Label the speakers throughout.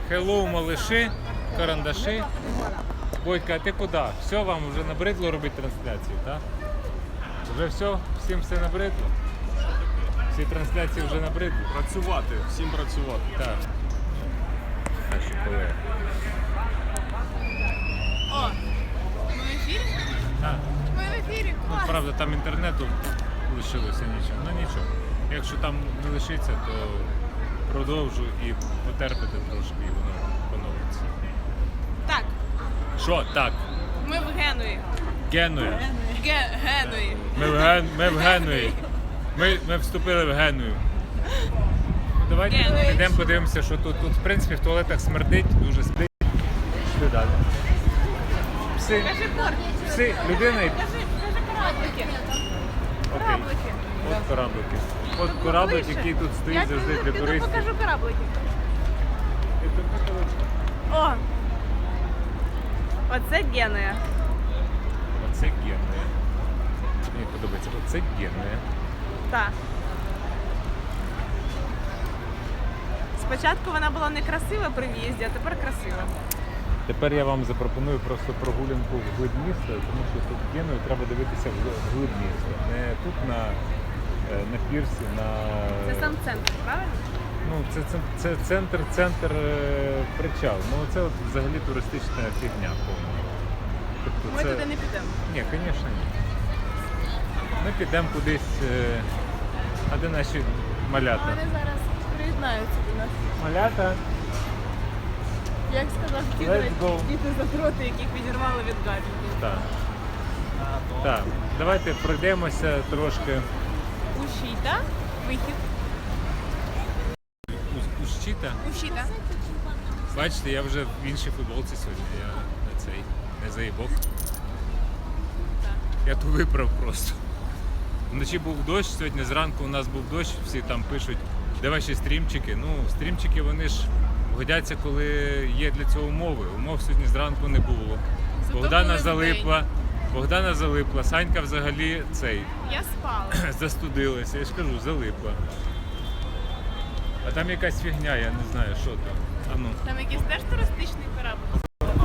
Speaker 1: Хеллоу, малыши, карандаши. Бодька, а ти куди? Все, вам вже набридло робити трансляцію, так? Вже все? Всім все набридло? Всі трансляції вже набридло?
Speaker 2: Працювати, всім працювати.
Speaker 1: Так. Наші колеги.
Speaker 3: О, ми в ефірі?
Speaker 1: Так.
Speaker 3: Ми в ефірі,
Speaker 1: Ну,
Speaker 3: клас.
Speaker 1: правда, там інтернету лишилося нічого. Ну нічого. Якщо там не лишиться, то продовжу і потерпите трошки, і воно поновиться.
Speaker 3: Так,
Speaker 1: Що так?
Speaker 3: ми в Генуї.
Speaker 1: Генуя.
Speaker 3: Генуї.
Speaker 1: Ми в Генуї. Ми вступили в Геную. Давайте
Speaker 3: Генуя.
Speaker 1: підемо подивимося, що тут. Тут, в принципі, в туалетах смердить, дуже смердить. Пішли далі. Пси.
Speaker 3: Кажи корні.
Speaker 1: Пси. Людина і...
Speaker 3: Кажи кораблики.
Speaker 1: Окей.
Speaker 3: Кораблики.
Speaker 1: От кораблики. От кораблик,
Speaker 3: Ближче.
Speaker 1: який тут стоїть
Speaker 3: Я
Speaker 1: завжди
Speaker 3: піду-
Speaker 1: для
Speaker 3: піду
Speaker 1: туристів.
Speaker 3: покажу кораблики. О! Оце Генуя.
Speaker 1: Оце Генуя. Мені подобається. Оце Генуя.
Speaker 3: Так. Спочатку вона була некрасива при в'їзді, а тепер красива.
Speaker 1: Тепер я вам запропоную просто прогулянку в глиб міста, тому що тут Геною треба дивитися в глиб міста. Не тут на пірсі, на...
Speaker 3: Це сам центр, правильно?
Speaker 1: Ну, це центр причал. Ну, це от взагалі туристична фігня повна. Тобто
Speaker 3: Ми туди не підемо.
Speaker 1: Ні, звісно, ні. Ми підемо кудись, а де наші малята?
Speaker 3: Вони зараз приєднаються до нас.
Speaker 1: Малята?
Speaker 3: Як сказав
Speaker 1: Let's go.
Speaker 3: діти задроти, яких відірвали від гаджетів.
Speaker 1: Так. Так, давайте пройдемося трошки.
Speaker 3: Ущіта, вихід.
Speaker 1: Ущіта?
Speaker 3: Ущіта.
Speaker 1: Бачите, я вже в іншій футболці сьогодні. Я не цей, не заїбок. Я ту виправ просто. Вночі був дощ, сьогодні зранку у нас був дощ, всі там пишуть, де ваші стрімчики. Ну, стрімчики вони ж годяться, коли є для цього умови. Умов сьогодні зранку не було.
Speaker 3: Зато
Speaker 1: Богдана
Speaker 3: були
Speaker 1: залипла. Богдана залипла, Санька взагалі цей
Speaker 3: Я спала.
Speaker 1: застудилася, я ж кажу, залипла. А там якась фігня, я не знаю, що там. А ну.
Speaker 3: Там якийсь теж туристичний корабль.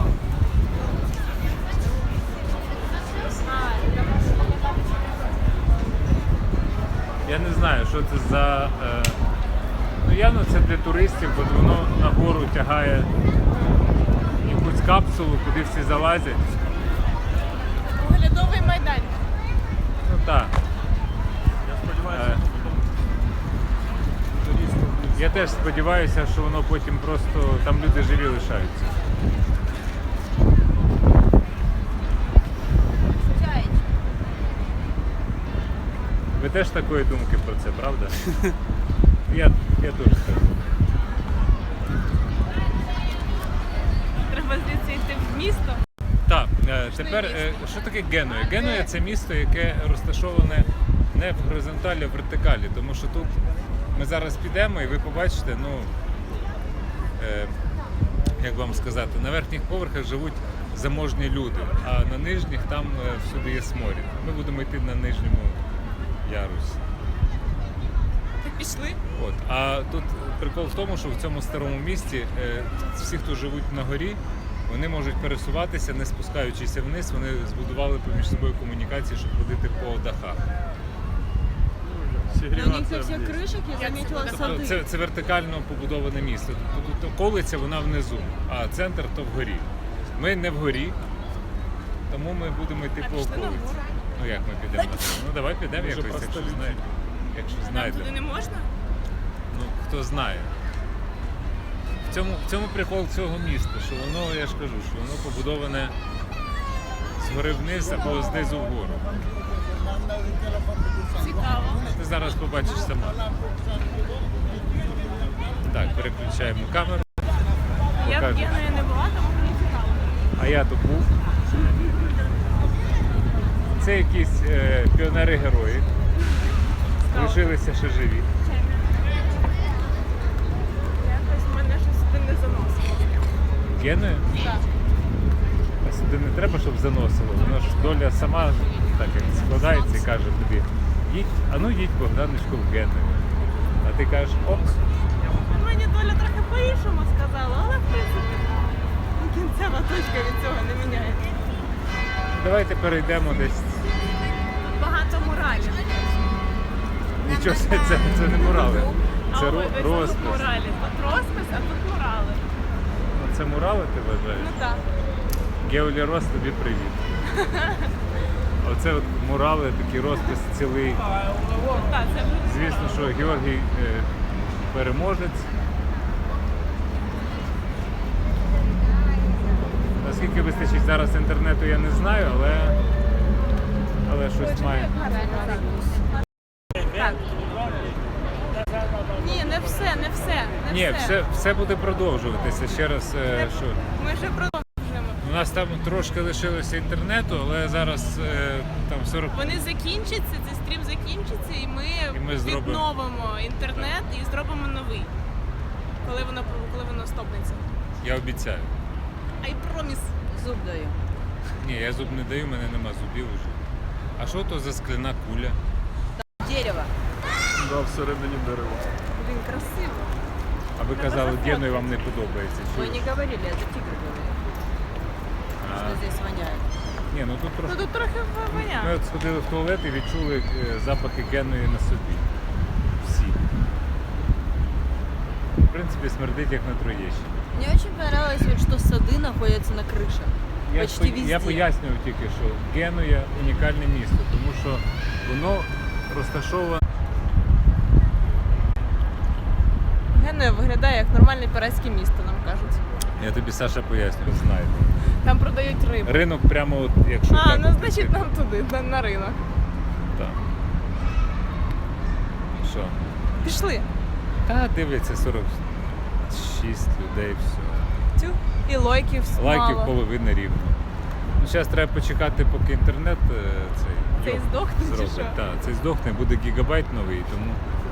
Speaker 1: Я не знаю, що це за... Ну явно це для туристів, бо воно нагору тягає якусь капсулу, куди всі залазять.
Speaker 3: Оглядовий майданчик.
Speaker 1: Ну так.
Speaker 2: Я сподіваюся,
Speaker 1: Я теж сподіваюся, що воно потім просто там люди живі лишаються. Ви теж такої думки про це, правда? Я теж скажу.
Speaker 3: Треба звідси йти в місто.
Speaker 1: Так, тепер що таке Генуя? Генуя – це місто, яке розташоване не в горизонталі, а в вертикалі, тому що тут ми зараз підемо і ви побачите, ну, як вам сказати, на верхніх поверхах живуть заможні люди, а на нижніх там всюди є сморід. Ми будемо йти на нижньому ярусі.
Speaker 3: Так пішли.
Speaker 1: От. А тут прикол в тому, що в цьому старому місті всі, хто живуть на горі, вони можуть пересуватися, не спускаючися вниз, вони збудували поміж собою комунікації, щоб ходити по дахах.
Speaker 2: сігріватися.
Speaker 4: У них со всех
Speaker 2: вниз.
Speaker 4: крышек я заметила
Speaker 1: Тобто
Speaker 4: сады.
Speaker 1: це вертикально побудоване місто. Тобто тут околиця вона внизу, а центр то вгорі. Ми не вгорі, тому ми будемо йти
Speaker 3: А
Speaker 1: по
Speaker 3: пішли на
Speaker 1: околиці.
Speaker 3: гору.
Speaker 1: Ну як ми підемо на гору? Ну давай підемо
Speaker 2: Може,
Speaker 1: якось,
Speaker 2: просто
Speaker 1: якщо
Speaker 2: літі.
Speaker 1: знаємо. Якщо
Speaker 3: Нам туди
Speaker 1: знайдемо.
Speaker 3: не можна?
Speaker 1: Ну, хто знає. В цьому прикол цього міста, що воно, я ж кажу, що воно побудоване згори вниз або знизу вгору.
Speaker 3: Цікаво.
Speaker 1: Ти зараз побачиш сама. Так, переключаємо камеру.
Speaker 3: Я в
Speaker 1: Покажу.
Speaker 3: Генуї не була, тому мені цікаво.
Speaker 1: А я тут був. Це якісь піонери-герої. Лишилися ще живі.
Speaker 3: Якось мене щось сюди не заносило.
Speaker 1: Геною?
Speaker 3: Так.
Speaker 1: А сюди не треба, щоб заносило. Воно ж доля сама так як складається і каже тобі, їдь, а ну їдь, Богданочку, в Геную. А ти кажеш, ок.
Speaker 3: Мені доля трохи по-іншому сказала, але в принципі точка від цього не міняється.
Speaker 1: Давайте перейдемо десь.
Speaker 3: Тут багато муралів.
Speaker 1: Нічого, це не мурали. Це
Speaker 3: ось тут
Speaker 1: розпис.
Speaker 3: муралі. Тут розпис, а тут мурали.
Speaker 1: Це мурали ти вважаєш?
Speaker 3: Ну так.
Speaker 1: Геолі Рос, тобі привіт. Оце от мурали, такий розпис цілий.
Speaker 3: Так, це вже
Speaker 1: Звісно, що Георгій переможець. Наскільки вистачить зараз інтернету, я не знаю, але щось має.
Speaker 3: Так. Ні, не все, не все.
Speaker 1: Ні, все буде продовжуватися. Ще раз, що
Speaker 3: Ми вже продовжуємо.
Speaker 1: у нас там трошки лишилося інтернету, але зараз там 40.
Speaker 3: Вони закінчаться, цей стрім закінчиться, і ми
Speaker 1: зробимо.
Speaker 3: відновимо інтернет і зробимо новий. Коли воно стопнеться.
Speaker 1: Я обіцяю.
Speaker 3: I promise.
Speaker 4: Зуб даю.
Speaker 1: Ні, я зуб не даю, в мене нема зубів уже. А що то за скляна куля?
Speaker 4: Дерево.
Speaker 2: Да, всередині дерева.
Speaker 3: Блін, красиво.
Speaker 1: А ви
Speaker 3: Треба
Speaker 1: казали,
Speaker 3: зафоткати.
Speaker 1: Геною вам не подобається.
Speaker 4: Вы
Speaker 1: Чого?
Speaker 4: не говорили, это тигр говорит,
Speaker 1: А,
Speaker 4: что здесь воняет.
Speaker 1: Ні, ну тут
Speaker 3: Ну
Speaker 1: трошки.
Speaker 3: тут трохи
Speaker 1: Ми
Speaker 3: воняє.
Speaker 1: от сходили в туалет і відчули запахи Геної на собі. Всі. В принципі, смердить як на Троєщині.
Speaker 4: Мне очень понравилось, вот, что сады находятся на крыше. Почти везде.
Speaker 1: Я пояснював тільки, що Генуя унікальне місто, тому що воно розташоване.
Speaker 3: Генуя виглядає як нормальне піратське місто, нам кажуть.
Speaker 1: Я тобі, Саша, пояснюю, знаєте.
Speaker 3: Там продають рибу.
Speaker 1: Ринок прямо от, якщо
Speaker 3: А,
Speaker 1: так
Speaker 3: ну
Speaker 1: от
Speaker 3: значить
Speaker 1: піти.
Speaker 3: нам туди, на ринок.
Speaker 1: Так. Що?
Speaker 3: Пішли.
Speaker 1: Та дивляться 46 людей, все.
Speaker 3: Тю. І лайків
Speaker 1: Лайків
Speaker 3: мало.
Speaker 1: половина рівно. Ну, зараз треба почекати, поки інтернет
Speaker 3: Цей
Speaker 1: йоб
Speaker 3: здохне чи
Speaker 1: зробить.
Speaker 3: що?
Speaker 1: Так, цей здохне, буде гігабайт новий, тому.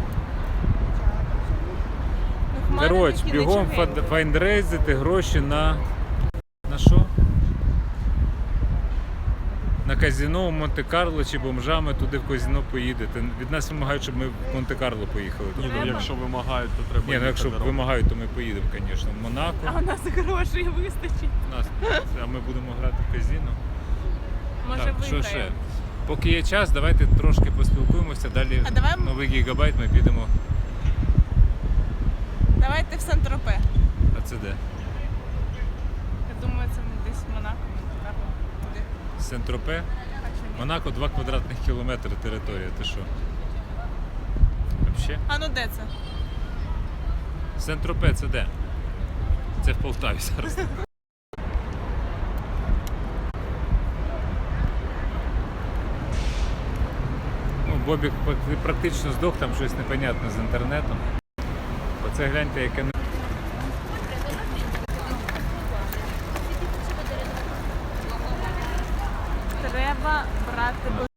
Speaker 3: Ну, хмари
Speaker 1: Коротше,
Speaker 3: такі
Speaker 1: бігом
Speaker 3: нічогенькі.
Speaker 1: файндрейзити гроші на. На що? На казино в Монте-Карло чи бомжами туди в казино поїдете. Від нас вимагають, щоб ми в Монте-Карло поїхали.
Speaker 2: Ні,
Speaker 3: Треба.
Speaker 2: ну якщо вимагають, то треба.
Speaker 1: Ні, ну якщо
Speaker 2: їхати разом.
Speaker 1: вимагають, то ми поїдемо, звісно, в Монако.
Speaker 3: А у нас грошей вистачить.
Speaker 1: А ми будемо грати в казино.
Speaker 3: Може
Speaker 1: Так, що
Speaker 3: виграємо.
Speaker 1: ще? Поки є час, давайте трошки поспілкуємося. Далі
Speaker 3: А давай-
Speaker 1: новий гігабайт ми підемо.
Speaker 3: Давайте в Сан-Тропе.
Speaker 1: А це де?
Speaker 3: Я думаю, це десь в Монако. Монте-Карло. Туди.
Speaker 1: Сен-Тропе.
Speaker 3: А чи ні?
Speaker 1: Монако 2 квадратних кілометри територія. Ти що? Взагалі?
Speaker 3: А ну де це?
Speaker 1: Сен-Тропе це де? Це в Полтаві зараз. Ну, Бобік практично здох, там щось непонятне з інтернетом. Оце гляньте, яке не.
Speaker 3: Треба брати